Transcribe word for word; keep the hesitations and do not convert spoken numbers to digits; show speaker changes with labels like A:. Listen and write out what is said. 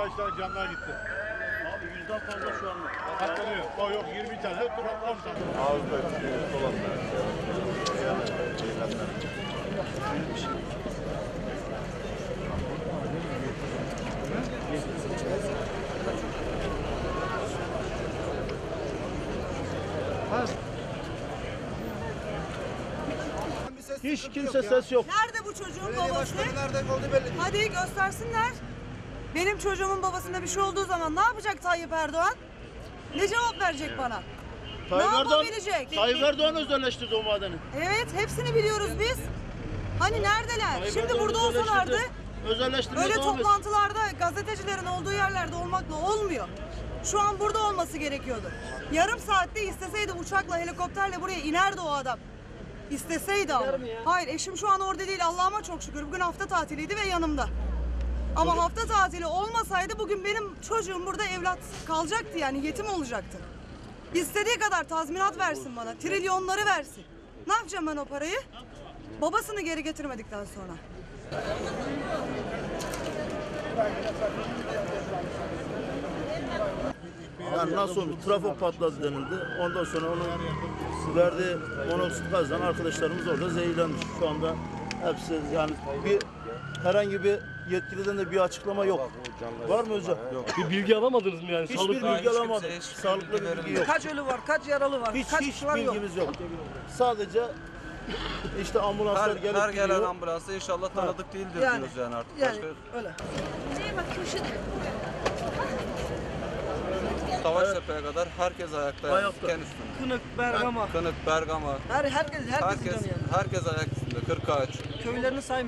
A: kaç tane canlar gitti.
B: Abi yüzden fazla şu anda.
A: Katlanıyor. O yok yirmi tane, on tane.
C: Ağızda üstü olanlar.
B: Hiç kimse ses yok.
D: Nerede bu çocuğun
E: Belediye
D: babası?
E: başkanı nereden oldu belli değil.
D: Hadi göstersinler. Benim çocuğumun babasına bir şey olduğu zaman ne yapacak Tayyip Erdoğan? Ne cevap verecek bana?
B: Tayyip
D: ne
B: Erdoğan,
D: yapabilecek?
B: Tayyip Erdoğan özelleştirdi o madeni.
D: Evet, hepsini biliyoruz biz. Hani neredeler?
B: Tayyip
D: Şimdi
B: Erdoğan
D: burada olsalardı
B: özelleştirdi. Özelleştirmeye
D: öyle
B: devam etsin.
D: toplantılarda gazetecilerin olduğu yerlerde olmakla olmuyor. Şu an burada olması gerekiyordu. Yarım saatte isteseydi uçakla, helikopterle buraya inerdi o adam. İsteseydi ama. Hayır, eşim şu an orada değil. Allah'ıma çok şükür. Bugün hafta tatiliydi ve yanımda. Ama hafta tatili olmasaydı bugün benim çocuğum burada evlat kalacaktı, yani yetim olacaktı. İstediği kadar tazminat versin bana, trilyonları versin. Ne yapacağım ben o parayı? Babasını geri getirmedikten sonra.
B: Yani nasıl olmuş? Trafo patladı denildi. Ondan sonra onun verdiği monoksit gazdan arkadaşlarımız orada zehirlenmiş. Şu anda hepsi yani bir herhangi bir yetkiliden de bir açıklama yok. Var mı hocam? Yok.
F: Bir bilgi alamadınız mı yani?
B: Hiçbir
F: Sağlıklı.
B: bilgi alamadık. Sağlıklı bir bilgi yok.
E: Kaç ölü var, kaç yaralı var,
B: Hiç
E: kaç
B: hiç
E: kişi var yok.
B: bilgimiz yok. Sadece işte ambulanslar
G: Her,
B: gelip
G: her gelen
B: gidiyor.
G: ambulansa inşallah tanıdık değildir
E: Yani,
G: diyoruz yani artık.
E: Yani
G: Başka
E: öyle.
G: Savaştepe'ye kadar herkes ayakta.
B: Ayakta.
G: Diken üstünde.
E: Kınık, Bergama.
G: Kınık, Bergama.
E: Her herkes herkes
G: Herkes,
E: yani.
G: herkes ayak üstünde. Kırkağaç.
E: Köylerini say.